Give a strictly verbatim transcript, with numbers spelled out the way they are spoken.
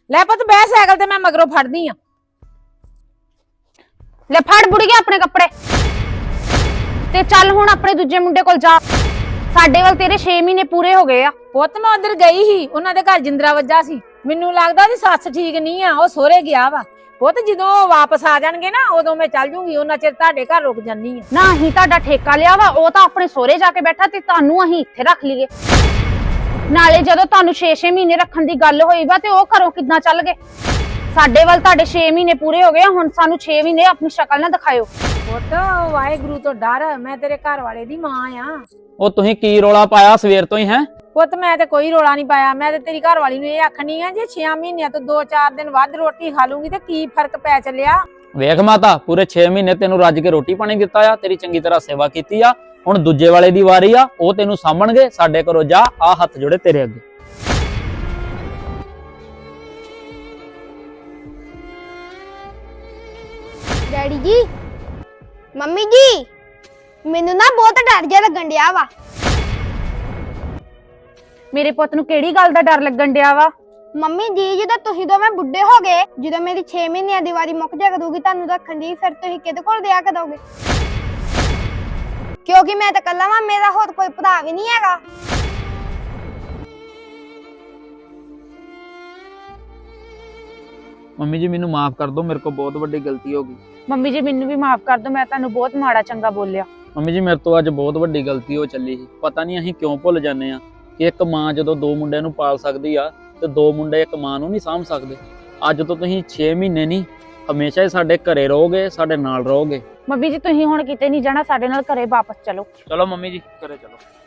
ਲੈ ਪੁੱਤ ਬਹਿ ਸਾਈਕਲ ਤੇ, मैं मगरों फड़दी आ। ले फड़ बुढ़िया अपने कपड़े ते चल हुण अपने दूजे मुंडे कोल जा। साडे वल तेरे छे महीने पूरे हो गए आ। ਪੁੱਤ मैं उधर गई ही, उन्हां दे घर जिंदरा वज्जा सी। मैनू लगदा ओदी सੱਸ ठीक नहीं आ, ओ सोहरे गया वा। पुੱਤ ਜਦੋਂ वापस आ जाणगे ना उदों मैं चल जूंगी, उन्हां चिर ਤੁਹਾਡੇ घर रुक जानी आ। ना ही ਤੁਹਾਡਾ ਠੇਕਾ ਲਿਆ ਵਾ, ਉਹ ਤਾਂ ਆਪਣੇ ਸੋਹਰੇ ਜਾ ਕੇ ਬੈਠਾ ਤੇ ਤੁਹਾਨੂੰ ਅਸੀਂ ਇੱਥੇ ਰੱਖ ਲਈਏ। ਨਾਲੇ ਜਦੋਂ ਤੁਹਾਨੂੰ ਛੇ ਛੇ ਮਹੀਨੇ ਰੱਖਣ ਦੀ ਗੱਲ ਹੋਈ ਵਾ ਤੇ ਉਹ ਘਰੋਂ ਕਿੱਦਾਂ ਚੱਲ ਗਏ। ਸਾਡੇ ਵੱਲ ਤੁਹਾਡੇ ਛੇ ਮਹੀਨੇ ਪੂਰੇ ਹੋ ਗਏ, ਹੁਣ ਸਾਨੂੰ ਛੇ ਮਹੀਨੇ ਆਪਣੀ ਸ਼ਕਲ ਨਾ ਦਿਖਾਇਓ। ਪੁੱਤ ਵਾਹਿਗੁਰੂ ਤੋਂ ਡਰ, ਮੈਂ ਤੇਰੇ ਘਰ ਵਾਲੇ ਦੀ ਮਾਂ ਆ। ਉਹ ਤੁਸੀਂ ਕੀ ਰੋਲਾ ਪਾਇਆ ਸਵੇਰ ਤੋਂ ਹੀ ਹੈ? ਪੁੱਤ ਮੈਂ ਤੇ ਕੋਈ ਰੋਲਾ ਨਹੀਂ ਪਾਇਆ, ਮੈਂ ਤੇ ਤੇਰੀ ਘਰ ਵਾਲੀ ਨੂੰ ਇਹ ਆਖਣੀ ਆ ਜੇ ਛੇ ਮਹੀਨਿਆਂ ਤੋਂ ਦੋ ਚਾਰ ਦਿਨ ਵੱਧ ਰੋਟੀ ਖਾ ਲੂੰਗੀ ਤੇ ਕੀ ਫਰਕ ਪੈ ਚੱਲਿਆ। ਵੇਖ ਮਾਤਾ, ਪੂਰੇ ਛੇ ਮਹੀਨੇ ਤੈਨੂੰ ਰੱਜ ਕੇ ਰੋਟੀ ਪਾਣੀ ਦਿੱਤਾ ਆ, ਤੇਰੀ ਚੰਗੀ ਤਰ੍ਹਾਂ ਸੇਵਾ ਕੀਤੀ ਆ। ਹੁਣ ਦੂਜੇ ਵਾਲੇ ਦੀ ਵਾਰੀ ਆ, ਉਹ ਤੈਨੂੰ ਸਾਂਭਣਗੇ। ਸਾਡੇ ਘਰੋਂ ਜਾ, ਆ ਹੱਥ ਜੋੜੇ ਤੇਰੇ ਅੱਗੇ। ਡੈਡੀ ਜੀ, ਮੰਮੀ ਜੀ, ਮੈਨੂੰ ਨਾ ਬਹੁਤ ਡਰ ਜਿਹਾ ਲੱਗਣ ਡਿਆ ਵਾ। ਮੇਰੇ ਪੁੱਤ ਨੂੰ ਕਿਹੜੀ ਗੱਲ ਦਾ ਡਰ ਲੱਗਣ ਡਿਆ ਵਾ? ਮੰਮੀ ਜੀ, ਜਦੋਂ ਤੁਸੀਂ ਦੋਵੇਂ ਬੁੱਢੇ ਹੋ ਗਏ, ਜਦੋਂ ਮੇਰੀ ਛੇ ਮਹੀਨਿਆਂ ਦੀ ਵਾਰੀ ਮੁੱਕ ਜਾ ਕਰੂਗੀ ਤੁਹਾਨੂੰ ਰੱਖਣ ਦੀ, ਫਿਰ ਤੁਸੀਂ ਕਿਹਦੇ ਕੋਲ ਦਿਆ ਕਰੋਗੇ? ਕਿਉਂਕਿ ਮੈਂ ਤਾਂ ਇਕੱਲਾ ਵਾਂ, ਮੇਰਾ ਹੋਰ ਕੋਈ ਭਰਾ ਵੀ ਨਹੀਂ ਹੈਗਾ। ਮੰਮੀ ਜੀ ਮੈਨੂੰ ਮਾਫ ਕਰ ਦਿਓ, ਮੇਰੇ ਕੋਲ ਬਹੁਤ ਵੱਡੀ ਗਲਤੀ ਹੋ ਗਈ। ਮੰਮੀ ਜੀ ਮੈਨੂੰ ਵੀ ਮਾਫ ਕਰ ਦਿਓ, ਮੈਂ ਤੁਹਾਨੂੰ ਬਹੁਤ ਮਾੜਾ ਚੰਗਾ ਬੋਲਿਆ। ਮੰਮੀ ਜੀ ਮੇਰੇ ਤੋਂ ਅੱਜ ਬਹੁਤ ਵੱਡੀ ਗਲਤੀ ਹੋ ਚੱਲੀ ਸੀ। ਪਤਾ ਨਹੀਂ ਅਸੀਂ ਕਿਉਂ ਭੁੱਲ ਜਾਂਦੇ ਆ ਕਿ ਇੱਕ ਮਾਂ ਜਦੋਂ ਦੋ ਮੁੰਡਿਆਂ ਨੂੰ ਪਾਲ ਸਕਦੀ ਆ ਤੇ ਦੋ ਮੁੰਡੇ ਇੱਕ ਮਾਂ ਨੂੰ ਨਹੀਂ ਸਾਂਭ ਸਕਦੇ। ਅੱਜ ਤੋਂ ਤੁਸੀਂ ਛੇ ਮਹੀਨੇ ਨਹੀਂ, ਹਮੇਸ਼ਾ ਹੀ ਸਾਡੇ ਘਰੇ ਰਹੋਗੇ, ਸਾਡੇ ਨਾਲ ਰਹੋਗੇ। ਮੰਮੀ ਜੀ ਤੁਸੀਂ ਹੁਣ ਕਿਤੇ ਨਹੀਂ ਜਾਣਾ, ਸਾਡੇ ਨਾਲ ਘਰੇ ਵਾਪਸ ਚਲੋ। ਚਲੋ ਮੰਮੀ ਜੀ, ਘਰੇ ਚਲੋ।